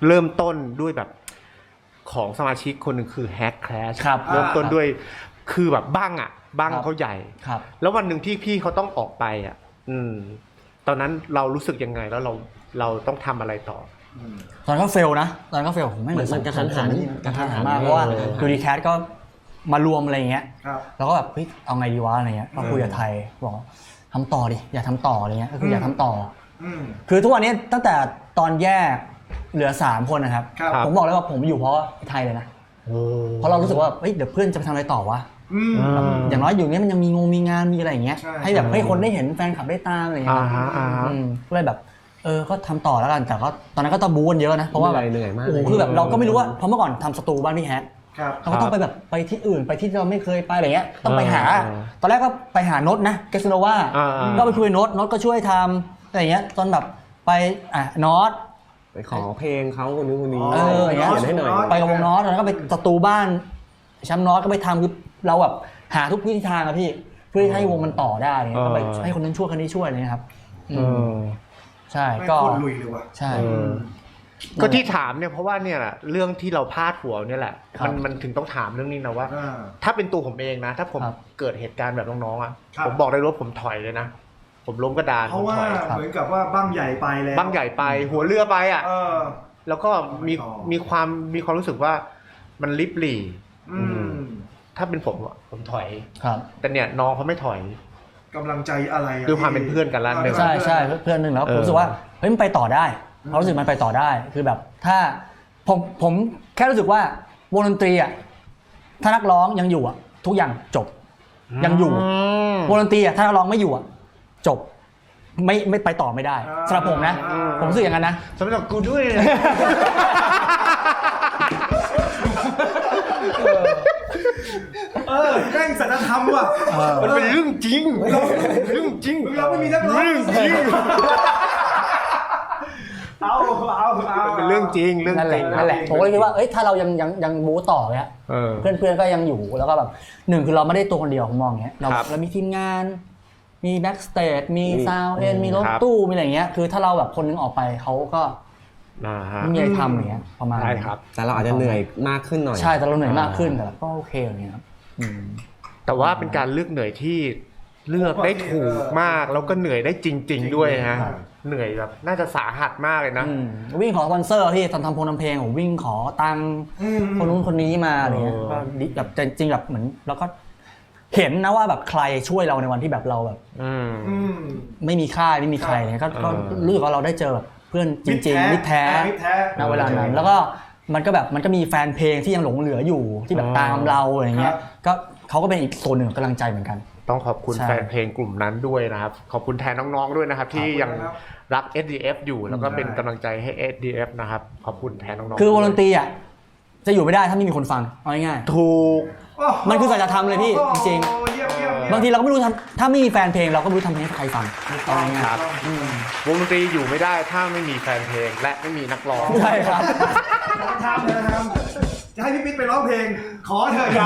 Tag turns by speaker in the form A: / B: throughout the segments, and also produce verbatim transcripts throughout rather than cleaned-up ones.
A: เริ่มต้นด้วยแบบของสมาชิกคนหนึ่งคือแฮกแคลชเริ่มต้นด้วยคือแบบบ้างอ่ะบ้างเขาใหญ่แล้ววันหนึ่งที่พี่เขาต้องออกไปอ่ะอืมตอนนั้นเรารู้สึกยังไงแล้วเราเราต้องทำอะไรต่อ
B: ตอนก็เฟลนะตอนก็เฟลผมไม่เหมือน
C: มันกระทันหัน
B: กระทันหันมากเพราะว่าดูดีแคทก็มารวมอะไรอย่างเงี้ยแล้วก็แบบเฮ้ยเอาไงดีวะอะไรเงี้ยก็คุยกับไทยบอกทำต่อดิอย่าทำต่ออะไรเงี้ยก็คืออย่าทำต่อคือทุกวันนี้ตั้งแต่ตอนแยกเหลือสามคนนะครับผมบอกเลยว่าผมอยู่เพราะไทยเลยนะเพราะเรารู้สึกว่าเฮ้ยเดี๋ยวเพื่อนจะไปทำอะไรต่อวะอย่างน้อยอยู่เนี้ยมันยังมีงงมีงานมีอะไรอย่างเงี้ยให้แบบให้คนได้เห็นแฟนคลับได้ตามอะไรอย่างเงี้ยก็เลยแบบเออก็ทำต่อแล้วกันแต่ก็ตอนนั้นก็ต้องบู๊กันเยอะนะเพราะว่าแบบโอ้โหคือแบบเราก็ไม่รู้ว่าเพราะเมื่อก่อนทำสตูบ้านพี่แฮกเราก็ต้องไปแบบไปที่อื่นไปที่เราไม่เคยไปอะไรเงี้ยต้องไปหาตอนแรกก็ไปหาโน้ตนะเกสโนวาก็ไปคุยโน้ตโน้ตก็ช่วยทำอะไรเงี้ยจนแบบไปอ่ะโน้ต
C: ไปขอเพลงเขาคนนี้คนนี้
B: เอออย่างเงี้ยเขียนให้หน่อยไปกับวงโน้ตแล้วก็ไปสตูบ้านแชมป์โน้ตก็ไปทำคือเราแบบหาทุกวิธีทางอะพี่เพื่อให้วงมันต่อได้ก็ไปให้คนนั้นช่วยคนนี้ช่วยเลยครับใช่ก็
D: ลุยเลยว่ะ
B: ใช่
A: ก็ที่ถามเนี่ยเพราะว่าเนี่ยแหละเรื่องที่เราพลาดหัวเนี่ยแหละมันมันถึงต้องถามเรื่องนี้นะว่าถ้าเป็นตัวผมเองนะถ้าผมเกิดเหตุการณ์แบบน้องๆอ่ะผมบอกได้ว่าผมถอยเลยนะผมล้มกระดาน
D: เพราะว่าเหมือนกับว่าบ้างใหญ่ไปแล้ว
A: บ้างใหญ่ไปหัวเรือไปอ่ะแล้วก็มีมีความมีความรู้สึกว่ามันลิบหลี่ถ้าเป็นผมผมถอยแต่เนี่ยน้องเขาไม่ถอย
D: กำลังใจอะไร
A: คือความเป็นเพื่อนกันแล้ว
B: ใช่ใช่เพื่อนหนึ่งแล้วผมรู้สึกว่าเฮ้ยมันไปต่อได้เรารู้สึกมันไปต่อได้คือแบบถ้าผมผมแค่รู้สึกว่าวงดนตรีอ่ะถ้านักร้องยังอยู่อ่ะทุกอย่างจบยังอยู่วงดนตรีอ่ะถ้านักร้องไม่อยู่อ่ะจบไม่ไม่ไปต่อไม่ได้สำหรับผมนะผมรู้สึกอย่างนั้นนะ
A: สำหรับกูด้วย
D: เออแกล้งสัจธรรมว่ะ
A: มันเป็นเรื่องจริงเรื่องจริง
D: เราไม่มีนักร้อง
A: เรื่องจริง
D: เอาเอาเอา
A: เป็นเรื่องจริงเรื่องจริง
B: นั่นแหละผมก็เลยคิดว่าเอ้ยถ้าเรายังยังยังบู๊ต่อเนี้ยเพื่อนเพื่อนก็ยังอยู่แล้วก็แบบหนึ่งคือเราไม่ได้ตัวคนเดียวผมมองเงี้ยเราเรามีทีมงานมีแบ็กสเตจมีซาวเอ็นมีรถตู้มีอะไรเงี้ยคือถ้าเราแบบคนนึงออกไปเขาก็ไม่มีอะไรทำอย่างเงี้ยประมาณ
A: ได้ครับ
C: แต่เราอาจจะเหนื่อยมากขึ้นหน่อย
B: ใช่แต่เราเหนื่อยมากขึ้นแต่ก็โอเคอย่างเงี้ยครับ
A: แต่ว่าเป็นการเลือกเหนื่อยที่เลือกได้ถูกมากแล้วก็เหนื่อยได้จริงๆด้วยฮะเหนื่อยแบบน่าจะสาหัสมากเลยนะ
B: วิ่งขอสปอนเซอร์พี่ตอนทำโพลทำเพลงผมวิ่งขอตังค์คนนู้นคนนี้มาอะไรเงี้ยก็แบบจริงๆแบบเหมือนเราก็เห็นนะว่าแบบใครช่วยเราในวันที่แบบเราแบบไม่มีค่าไม่มีใครเนี่ยก็รู้สึกว่าเราได้เจอแบบเพื่อนจริงๆมิตรแท้ณเวลานั้นแล้วก็มันก็แบบมันก็มีแฟนเพลงที่ยังหลงเหลืออยู่ที่แบบตามเราอะไรเงี้ยก็เขาก็เป็นอีกโซนหนึ่งกำลังใจเหมือนกัน
A: ต้องขอบคุณแฟนเพลงกลุ่มนั้นด้วยนะครับขอบคุณแทนน้องๆด้วยนะครับที่ยังรัก เอส ดี เอฟ อยู่แล้วก็เป็นกำลังใจให้ เอส ดี เอฟ นะครับขอบคุณแทนน้องๆ
B: คือวงดนตรีอ่ะจะอยู่ไม่ได้ถ้าไม่มีคนฟังเอาง่าย
A: ๆถูก
B: มันคือสัจธรรมเลยพี่จริงๆบางทีเราก็ไม่รู้ทำถ้าไม่มีแฟนเพลงเราก็ไม่รู้ทำเพลงให้ใครฟัง
A: เอาง่ายๆวงดนตรีอยู่ไม่ได้ถ้าไม่มีแฟนเพลงและไม่มีนักร้อง
B: ใช่ครับ
D: ทำเลยนะครับจะให้พี่ปิ๊ดไปร้องเพลงขอเถอะอย่า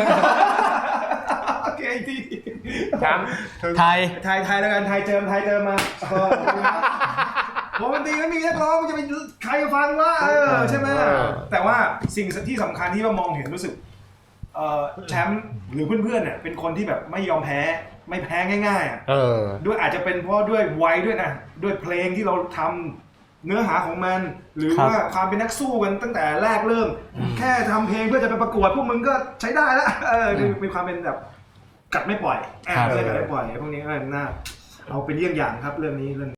D: โอเคที
A: ครับ
B: ไทย
D: ไทยไทยแล้วกันไทยเจิมไทยเจิมมาวงดนตรีไม่มีนักร้องจะเป็นใครฟังวะเออใช่ไหมแต่ว่าสิ่งที่สำคัญที่ว่ามองเห็นรู้สึกแชมป์หรือเพื่อนๆเนี่ยเป็นคนที่แบบไม่ยอมแพ้ไม่แพ้ง่ายๆอ่ะด้วยอาจจะเป็นเพราะด้วยวัยด้วยนะด้วยเพลงที่เราทำเนื้อหาของมันหรือว่าความเป็นนักสู้กันตั้งแต่แรกเริ่มแค่ทำเพลงเพื่อจะไปประกวดพวกมึงก็ใช้ได้แล้วเออมีความเป็นแบบกัดไม่ปล่อยอ่าเลยกัดไม่ปล่อยพวกนี้ก็น่าเอาเป็นเยี่ยงอย่างครับเรื่องนี้เรื่อง